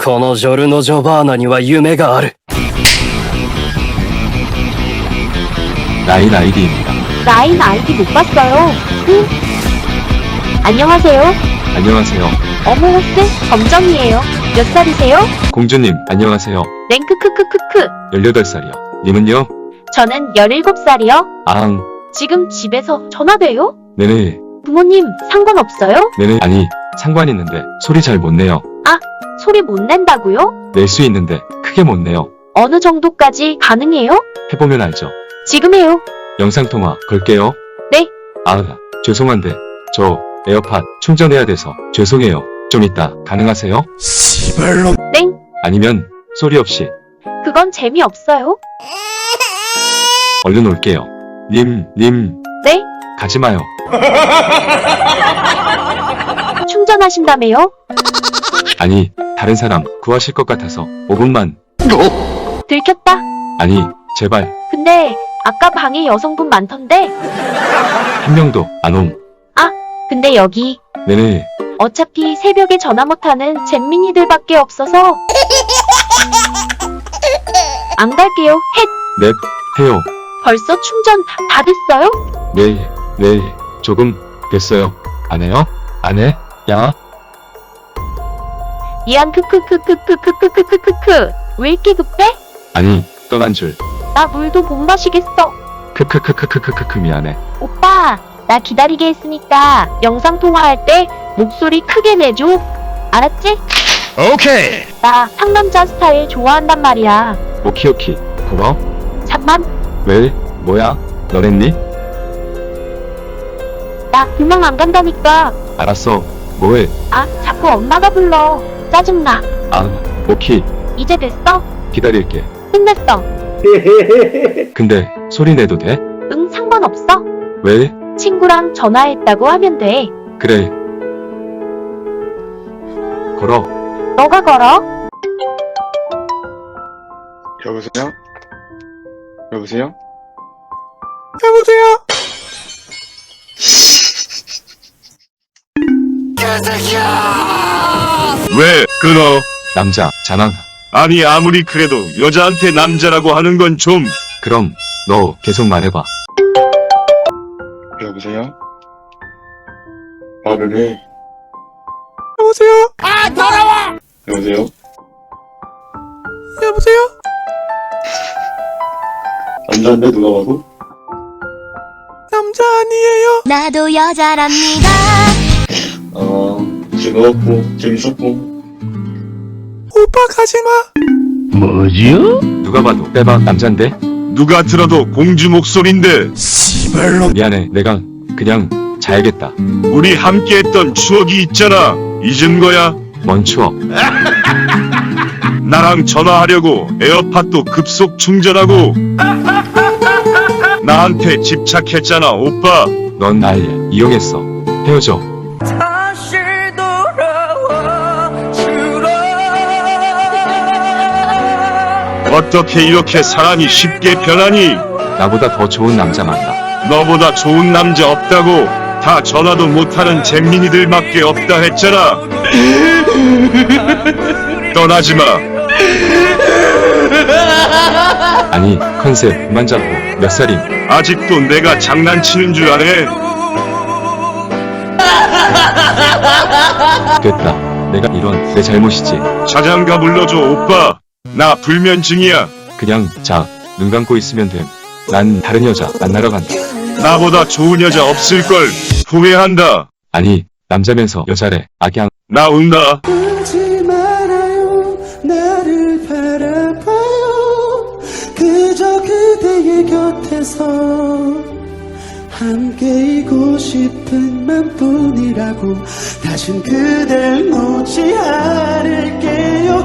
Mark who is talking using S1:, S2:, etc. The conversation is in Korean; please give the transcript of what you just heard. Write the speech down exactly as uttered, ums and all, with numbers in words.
S1: このジョルノ・ジョバーナには夢がある。
S2: 라인 아이디입니다.
S3: 라인 아이디 못 봤어요. 응? 안녕하세요.
S2: 안녕하세요.
S3: 어머머스 검정이에요. 몇 살이세요?
S2: 공주님, 안녕하세요.
S3: 랭크 크크크크.
S2: 열여덟 살이요. 님은요?
S3: 저는 열일곱 살이요.
S2: 아앙,
S3: 지금 집에서 전화돼요?
S2: 네네,
S3: 부모님 상관없어요?
S2: 네네. 아니, 상관 있는데 소리 잘 못 내요.
S3: 소리 못 낸다고요?
S2: 낼 수 있는데 크게 못 내요.
S3: 어느 정도까지 가능해요?
S2: 해보면 알죠.
S3: 지금 해요.
S2: 영상통화 걸게요.
S3: 네.
S2: 아, 죄송한데 저 에어팟 충전해야 돼서 죄송해요. 좀 이따 가능하세요?
S3: 땡.
S2: 아니면 소리 없이
S3: 그건 재미없어요.
S2: 얼른 올게요. 님, 님,
S3: 네.
S2: 가지마요.
S3: 충전하신다며요?
S2: 아니, 다른 사람 구하실 것 같아서 오 분만.
S3: 들켰다.
S2: 아니, 제발
S3: 근데 아까 방에 여성분 많던데.
S2: 한 명도 안 옴.
S3: 근데 여기
S2: 네네.
S3: 어차피 새벽에 전화 못하는 잼민이들밖에 없어서 안 갈게요. 헷.
S2: 넵, 해요.
S3: 벌써 충전 다, 다 됐어요?
S2: 네, 네, 조금 됐어요. 안 해요? 안 해? 야,
S3: 미안 크크크크크크크크크크크. 왜 이렇게 급해?
S2: 아니, 떠난 줄.
S3: 나 물도 못 마시겠어.
S2: 크크크크크크크크 미안해.
S3: 오빠, 나 기다리게 했으니까 영상 통화할 때 목소리 크게 내줘. 알았지?
S1: 오케이.
S3: 나 상남자 스타일 좋아한단 말이야.
S2: 오키오키. 고마워.
S3: 잠만,
S2: 왜? 뭐야? 너랬니?
S3: 나 그냥 안 간다니까.
S2: 알았어. 뭐해?
S3: 아, 자꾸 엄마가 불러. 짜증나.
S2: 아, 오키.
S3: 이제 됐어?
S2: 기다릴게.
S3: 끝냈어.
S2: 근데 소리 내도 돼?
S3: 응, 상관없어.
S2: 왜?
S3: 친구랑 전화했다고 하면 돼.
S2: 그래. 걸어.
S3: 너가 걸어.
S4: 여보세요? 여보세요?
S2: 여보세요?
S5: 왜 끊어?
S2: 남자, 자망.
S5: 아니 아무리 그래도 여자한테 남자라고 하는 건 좀.
S2: 그럼 너 계속 말해봐.
S4: 여보세요? 말을 해.
S2: 여보세요?
S4: 아, 더러워! 여보세요?
S2: 여보세요?
S4: 남자인데 누가 봐도?
S2: 남자 아니에요.
S6: 나도 여자랍니다.
S4: 어, 즐거웠고, 재밌었고.
S2: 오빠 가지마.
S1: 뭐지요?
S2: 누가 봐도 빼박 남잔데?
S5: 누가 들어도 공주 목소린데.
S2: 미안해. 내가 그냥 자야겠다.
S5: 우리 함께했던 추억이 있잖아. 잊은 거야?
S2: 뭔 추억?
S5: 나랑 전화하려고 에어팟도 급속 충전하고 나한테 집착했잖아 오빠.
S2: 넌 날 이용했어. 헤어져.
S5: 어떻게 이렇게 사람이 쉽게 변하니?
S2: 나보다 더 좋은 남자 만나.
S5: 너보다 좋은 남자 없다고. 다 전화도 못하는 잼민이들밖에 없다 했잖아. 떠나지마.
S2: 아니, 컨셉 그만 잡고. 몇 살임?
S5: 아직도 내가 장난치는 줄 아네.
S2: 됐다. 내가 이런 내 잘못이지.
S5: 자장가 불러줘 오빠. 나 불면증이야.
S2: 그냥 자. 눈 감고 있으면 됨. 난 다른 여자 만나러 간다.
S5: 나보다 좋은 여자 없을걸. 후회한다.
S2: 아니, 남자면서 여자래. 악양.
S5: 나 운다.
S7: 울지 말아요 나를 바라봐요 그저 그대의 곁에서 함께이고 싶은 맘뿐이라고 다신 그댈 놓지 않을게요